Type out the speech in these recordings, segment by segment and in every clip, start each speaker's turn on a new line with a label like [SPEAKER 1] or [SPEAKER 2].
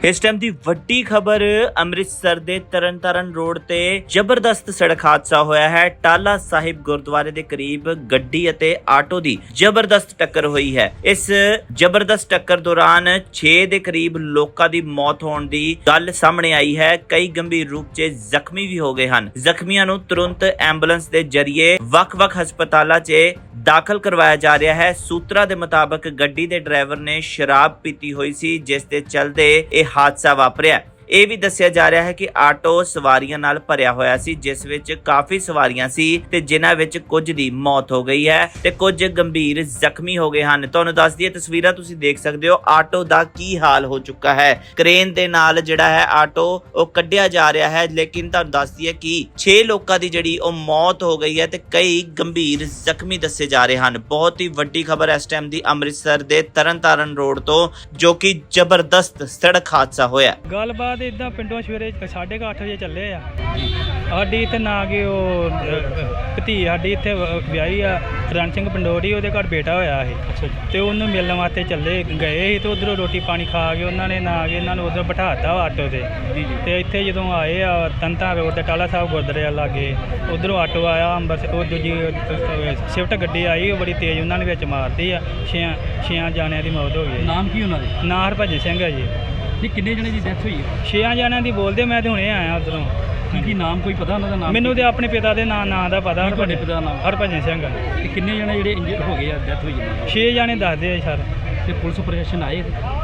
[SPEAKER 1] इस टाइम की वड्डी खबर अमृतसर के तरनताਰਨ रोड ते जबरदस्त सड़क हादसा होया है। टाला साहिब गुरुद्वारे के करीब गड्डी अते आटो की जबरदस्त टक्कर हुई है। इस जबरदस्त टक्कर दौरान 6 के करीब लोगों की मौत होने की गल सामने आई है। कई गंभीर रूप से जख्मी भी हो गए हैं। जख्मियों नूं तुरंत एंबुलेंस के जरिए वख-वख हस्पतालों च दाखिल करवाया जा रहा है। सूत्रा के मुताबिक गड्डी के ड्राइवर ने शराब पीती हुई सी, जिस दे चलते यह हादसा वापरिया। ਇਹ ਵੀ ਦੱਸਿਆ ਜਾ ਰਿਹਾ ਹੈ ਕਿ ਆਟੋ ਸਵਾਰੀਆਂ ਨਾਲ ਭਰਿਆ ਹੋਇਆ ਸੀ, ਜਿਸ ਵਿੱਚ ਕਾਫੀ ਸਵਾਰੀਆਂ ਸੀ ਤੇ ਜਿਨ੍ਹਾਂ ਵਿੱਚ ਕੁਝ ਦੀ ਮੌਤ ਹੋ ਗਈ ਹੈ ਤੇ ਕੁਝ ਗੰਭੀਰ ਜ਼ਖਮੀ ਹੋ ਗਏ ਹਨ। ਤੁਹਾਨੂੰ ਦੱਸ ਦਈਏ, ਤਸਵੀਰਾਂ ਤੁਸੀਂ ਦੇਖ ਸਕਦੇ ਹੋ ਆਟੋ ਦਾ ਕੀ ਹਾਲ ਹੋ ਚੁੱਕਾ ਹੈ। ਕ੍ਰੇਨ ਦੇ ਨਾਲ ਜਿਹੜਾ ਹੈ ਆਟੋ ਉਹ ਕੱਢਿਆ ਜਾ ਰਿਹਾ ਹੈ, ਲੇਕਿਨ ਤੁਹਾਨੂੰ ਦੱਸ ਦਈਏ ਕਿ 6 ਲੋਕਾਂ ਦੀ ਜਿਹੜੀ ਉਹ ਮੌਤ ਹੋ ਗਈ ਹੈ ਤੇ ਕਈ ਗੰਭੀਰ ਜ਼ਖਮੀ ਦੱਸੇ ਜਾ ਰਹੇ ਹਨ। ਬਹੁਤ ਹੀ ਵੱਡੀ ਖਬਰ ਇਸ ਟਾਈਮ ਦੀ ਅੰਮ੍ਰਿਤਸਰ ਦੇ ਤਰਨਤਾਰਨ ਰੋਡ ਤੋਂ, ਜੋ ਕਿ ਜ਼ਬਰਦਸਤ ਸੜਕ ਹਾਦਸਾ ਹੋਇਆ।
[SPEAKER 2] ਗੱਲਬਾਤ ਇਦਾਂ ਪਿੰਡੋਂ ਸਵੇਰੇ 8:30 ਵਜੇ ਚੱਲੇ ਆ। ਸਾਡੀ ਇੱਥੇ ਨਾ ਕਿ ਉਹ ਭਤੀ ਸਾਡੀ ਇੱਥੇ ਵਿਆਹੀ ਆ ਰਣ ਸਿੰਘ ਪੰਡੋਰੀ, ਉਹਦੇ ਘਰ ਬੇਟਾ ਹੋਇਆ ਸੀ ਤੇ ਉਹਨੂੰ ਮਿਲਣ ਵਾਸਤੇ ਚੱਲੇ ਗਏ ਸੀ ਤੇ ਉਧਰੋਂ ਰੋਟੀ ਪਾਣੀ ਖਾ ਕੇ ਉਹਨਾਂ ਨੇ ਨਾ ਕਿ ਇਹਨਾਂ ਨੂੰ ਉਧਰ ਬਿਠਾਤਾ ਆਟੋ ਤੇ ਇੱਥੇ ਜਦੋਂ ਆਏ ਆ ਤਨਤਾਰਨ ਰੋਡ ਤੇ ਟਾਲਾ ਸਾਹਿਬ ਗੁਰਦੁਆਰੇ ਲਾਗੇ, ਉਧਰੋਂ ਆਟੋ ਆਇਆ ਅੰਬਰਸਰ, ਉਹ ਦੂਜੀ ਸ਼ਿਫਟ ਗੱਡੀ ਆਈ, ਉਹ ਬੜੀ ਤੇਜ਼ ਉਹਨਾਂ ਨੇ ਵਿੱਚ ਮਾਰਤੀ ਆ। 6 ਜਾਣਿਆਂ ਦੀ ਮੌਤ ਹੋ ਗਈ।
[SPEAKER 3] ਨਾਮ ਕੀ ਉਹਨਾਂ ਦੇ?
[SPEAKER 2] ਨਾਂ ਹਰਭਜਨ ਸਿੰਘ ਆ ਜੀ।
[SPEAKER 3] ਜੀ ਕਿੰਨੇ ਜਣੇ ਦੀ ਡੈਥ ਹੋਈ ਹੈ?
[SPEAKER 2] 6 ਜਣਿਆਂ ਦੀ ਬੋਲਦੇ, ਮੈਂ ਤੇ ਹੁਣੇ ਆਇਆ ਉਧਰੋਂ।
[SPEAKER 3] ਕੀ ਨਾਮ ਕੋਈ ਪਤਾ ਉਹਨਾਂ ਦਾ? ਨਾਮ
[SPEAKER 2] ਮੈਨੂੰ ਤੇ ਆਪਣੇ ਪਿਤਾ ਦੇ ਨਾਂ ਦਾ ਪਤਾ।
[SPEAKER 3] ਤੁਹਾਡੇ ਪਿਤਾ ਦਾ ਨਾਮ?
[SPEAKER 2] ਹਰਭਜਨ ਸਿੰਘ।
[SPEAKER 3] ਤੇ ਕਿੰਨੇ ਜਣੇ ਜਿਹੜੇ ਇੰਜਰਡ ਹੋ ਗਏ ਆ, ਡੈਥ ਹੋਈ ਹੈ?
[SPEAKER 2] 6 ਜਣੇ ਦੱਸਦੇ ਆ ਸਰ।
[SPEAKER 3] ਤੇ ਪੁਲਿਸ ਪ੍ਰਸ਼ਾਸਨ ਆਏ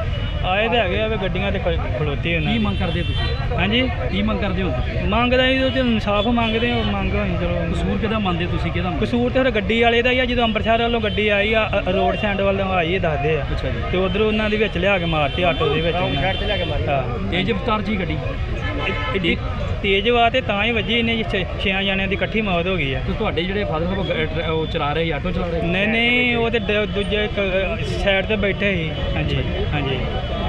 [SPEAKER 2] ਤੇ ਹੈਗੇ ਆ ਵੀ ਗੱਡੀਆਂ ਤੇ ਖਲੋਤੇ ਉਹਨਾਂ
[SPEAKER 3] ਕੀ ਮੰਗ ਕਰਦੇ ਤੁਸੀਂ?
[SPEAKER 2] ਹਾਂਜੀ,
[SPEAKER 3] ਕੀ ਮੰਗ ਕਰਦੇ ਹੋ ਤੁਸੀਂ?
[SPEAKER 2] ਮੰਗਦਾ ਜੀ ਉਹ ਇਨਸਾਫ ਮੰਗਦੇ ਹੋ, ਮੰਗ ਹੋਈ ਚਲੋ।
[SPEAKER 3] ਕਸੂਰ ਕਿਹਦਾ ਮੰਨਦੇ ਤੁਸੀਂ? ਕਿਹਦਾ
[SPEAKER 2] ਕਸੂਰ ਤੇ ਫਿਰ ਗੱਡੀ ਵਾਲੇ ਦਾ ਹੀ ਆ। ਜਦੋਂ ਅੰਮ੍ਰਿਤਸਰ ਵੱਲੋਂ ਗੱਡੀ ਆਈ ਆ, ਰੋਡ ਸਾਈਡ ਵੱਲੋਂ ਆਈ ਇਹ ਦੱਸਦੇ ਆ।
[SPEAKER 3] ਅੱਛਾ ਜੀ।
[SPEAKER 2] ਤੇ ਉਧਰੋਂ ਉਹਨਾਂ ਦੇ ਵਿੱਚ ਲਿਆ ਕੇ ਮਾਰਤੀ ਆਟੋ ਦੇ ਵਿੱਚ। ਸਾਈਡ ਤੇ ਲਿਆ ਕੇ ਮਾਰੀ। ਹਾਂ,
[SPEAKER 3] ਤੇਜ਼ ਰਫ਼ਤਾਰ ਜੀ ਗੱਡੀ
[SPEAKER 2] ਐਡੀ ਤੇਜ਼ ਵਾ ਤੇ ਤਾਂ ਹੀ ਵੱਜੀ। ਇਹਨੇ 6 ਜਣਿਆਂ ਦੀ ਇਕੱਠੀ ਮੌਤ ਹੋ ਗਈ ਆ।
[SPEAKER 3] ਤੇ ਤੁਹਾਡੇ ਜਿਹੜੇ ਫਾਦਰ ਸਾਹਿਬ ਉਹ ਚਲਾ ਰਹੇ, ਆਟੋ ਚਲਾ ਰਹੇ?
[SPEAKER 2] ਨਹੀਂ, ਉਹ ਤੇ ਦੂਜੇ ਸਾਈਡ ਤੇ ਬੈਠੇ ਸੀ। ਹਾਂਜੀ ਹਾਂਜੀ।